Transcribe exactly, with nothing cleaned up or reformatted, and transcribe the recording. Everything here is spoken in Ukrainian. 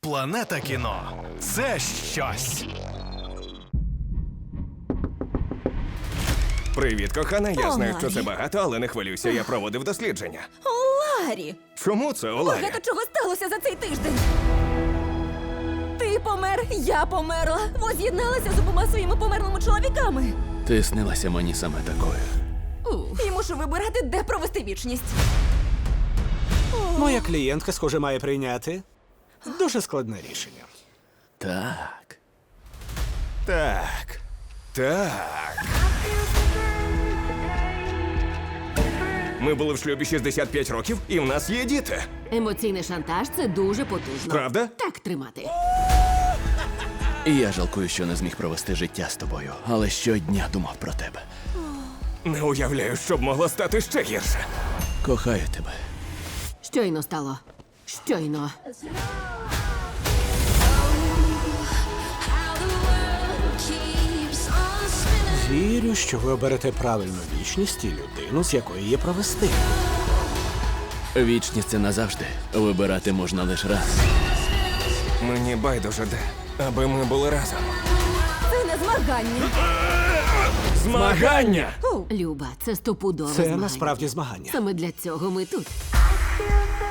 Планета кіно – це щось. Привіт, кохана. Я О, знаю, що Ларі. це багато, але не хвилюйся, я проводив дослідження. О, Ларі! Чому це, Оларі? Багато чого сталося за цей тиждень. Ти помер, я померла. Воз'єдналася з обома своїми померлими чоловіками. Ти снилася мені саме такою. І мушу вибирати, де провести вічність. Моя клієнтка, схоже, має прийняти дуже складне рішення. Так. Так. Так. Ми були в шлюбі шістдесят п'ять років, і в нас є діти. Емоційний шантаж – це дуже потужно. Правда? Так тримати. І я жалкую, що не зміг провести життя з тобою, але щодня думав про тебе. Не уявляю, що б могло стати ще гірше. Кохаю тебе. Щойно стало. Щойно. Вірю, що ви оберете правильну вічність і людину, з якої її провести. Вічність це назавжди. Вибирати можна лише раз. Мені байдуже де, аби ми були разом. Це не змагання. Змагання! Фу. Люба, це стопудове Це змагання. насправді змагання. Саме для цього ми тут.